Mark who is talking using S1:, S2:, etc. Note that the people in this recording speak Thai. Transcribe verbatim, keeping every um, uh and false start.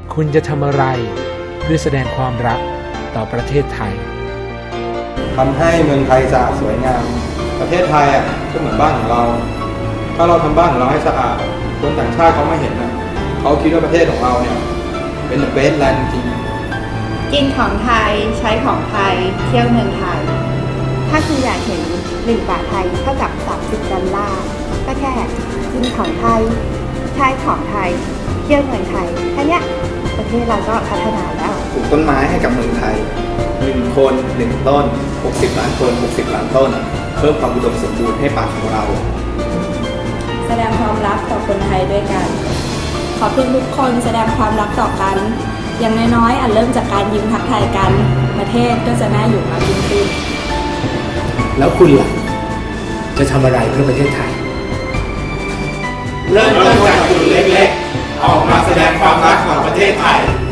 S1: คุณจะทำอะไรเพื่อแสดงความรักต่อประเทศไทย
S2: ทำให้เมืองไทยสะอาดสวยงามประเทศไทยอ่ะก็เหมือนบ้านของเราถ้าเราทำบ้านของเราให้สะอาดคนต่างชาติเขาไม่เห็นนะเขาคิดว่าประเทศของเราเนี่ยเป็นเบสแลนด์จริง
S3: กินของไทยใช้ของไทยเที่ยวเมืองไทยถ้าคุณอยากเห็นหนึ่งบาทไทยเท่ากับสามสิบดอลลาร์ก็แค่กินของไทยใช้ของไทยเที่ยวเมืองไทยแค่นี้ประเทศเราก็พัฒนาแล้ว
S4: ปลูกต้นไม้ให้กับเมืองไทยหนึ่งคนหนึ่งต้นหกสิบล้านคนหกสิบล้านต้นเพิ่มความอุดมสมบูรณ์ให้ป่าของเรา
S5: แสดงความรักต่อคนไทยด้วยกันขอเพื่อนทุกคนแสดงความรักต่อกันอย่างน้อยๆอาจเริ่มจากการยิ้มทักทายกันประเทศก็จะน่าอยู่มากยิ่งขึ้น
S1: แล้วคุณล่ะจะทำอะไรเพื่อประเทศไทย
S6: เริ่มต้นจากจุดเล็กๆออกมาแสดงความรักของประเทศไทย